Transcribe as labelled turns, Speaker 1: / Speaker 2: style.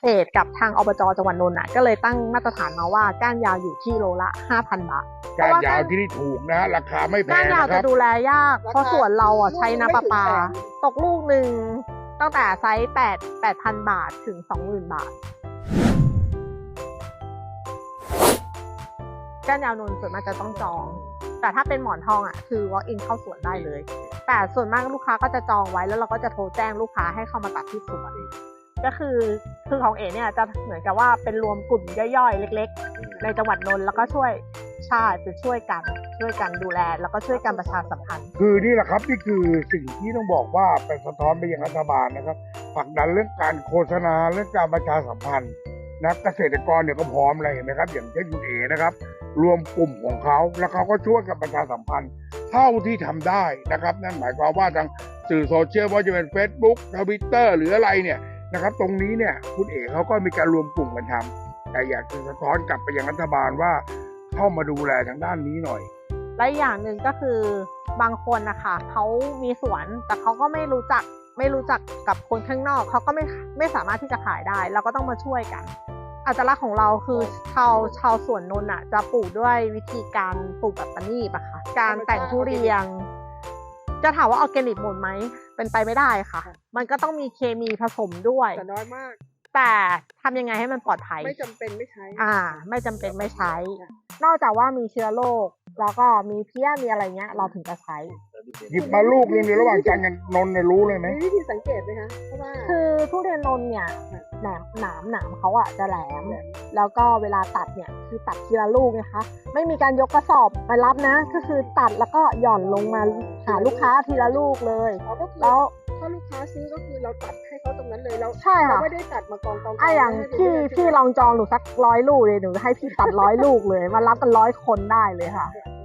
Speaker 1: ษตรกับทางอบจจังหวัดนนท์ก็เลยตั้งมาตรฐานมาว่าก้านยาวอยู่ที่โลละ 5,000 บาท
Speaker 2: ก้านยาวที่นี่ถูกนะราคาไม่แพง
Speaker 1: ก้านยาว
Speaker 2: นะค
Speaker 1: จะ
Speaker 2: รับ
Speaker 1: ดูแลยากเพราะสวนเราใช้น้ำประปาตกลูกหนึ่งตั้งแต่ไซส์8,000 บาทถึง 20,000 บาทก้านยาวนนท์ส่วนมากจะต้องจอง แต่ถ้าเป็นหมอนทองคือ walk in เข้าสวนได้เลย แต่ส่วนมากลูกค้าก็จะจองไว้แล้วเราก็จะโทรแจ้งลูกค้าให้เข้ามาตัดที่สวนก็คือของเอ๋เนี่ยจะเหมือนกับว่าเป็นรวมกลุ่มย่อยๆเล็กๆในจังหวัดนนท์แล้วก็ช่วยกันดูแลแล้วก็ช่วยกันประชาสัมพันธ์
Speaker 2: คือนี่แหละครับนี่คือสิ่งที่ต้องบอกว่าเป็นสะท้อนไปยังรัฐบาลนะครับผลักดันเรื่องการโฆษณาเรื่องการประชาสัมพันธ์นะเกษตรกรเนี่ยก็พร้อมเลยเห็นไหมครับอย่างเช่นคุณเอนะครับรวมกลุ่มของเขาแล้วเขาก็ช่วยกับประชาสัมพันธ์เท่าที่ทำได้นะครับนั่นหมายความว่าทางสื่อโซเชียลว่าจะเป็น Facebook Twitter หรืออะไรเนี่ยนะครับตรงนี้เนี่ยคุณเอเขาก็มีการรวมกลุ่มกันทำแต่อยากจะสะท้อนกลับไปยังรัฐบาลว่าเข้ามาดูแลทางด้านนี้หน่อย
Speaker 1: และอย่างหนึ่งก็คือบางคนนะคะเขามีสวนแต่เขาก็ไม่รู้จักกับคนข้างนอกเขาก็ไม่สามารถที่จะขายได้เราก็ต้องมาช่วยกันอัตลักษณ์ของเราคือชาวสวนนนท์จะปลูกด้วยวิธีการปลูกแบบประณีตค่ะการแต่งทุเรียนจะถามว่าออร์แกนิกหมดไหมเป็นไปไม่ได้ค่ะมันก็ต้องมีเคมีผสมด้วย
Speaker 3: แต่น้อยมาก
Speaker 1: แต่ทำยังไงให้มันปลอดภัย
Speaker 3: ไม่จำเป็นไม่ใช้
Speaker 1: ไม่จำเป็นไม่ใช้นอกจากว่ามีเชื้อโรคแล้วก็มีเพี้ยมีอะไรเงี้ยเราถึงจะใช้
Speaker 2: หยิบมาลูกนึงในระหว่างจันทร์กับนนท์เนี่ยรู้เลยไหม
Speaker 3: มีวิธีสังเกตไหมคะเพราะว่า
Speaker 1: คือทุเรียนนนท์เนี่ยหนามเขาจะแหลมแล้วก็เวลาตัดเนี่ยคือตัดทีละลูกนะคะไม่มีการยกกระสอบไปรับนะก็คือตัดแล้วก็หย่อนลงมาหาลูกค้าทีละลูกเลย
Speaker 3: แล้วถ้าลูกค้าซื้อก็คือเราตัดให้เขาตรงนั้นเลย
Speaker 1: ใช่ค่ะ
Speaker 3: เราไม่ได้ตัดมากอง
Speaker 1: อย่างพี่ลองจองหนูสัก100 ลูกเลยหนูให้พี่ตัด100 ลูกเลยมารับกัน100 คนได้เลยค่ะ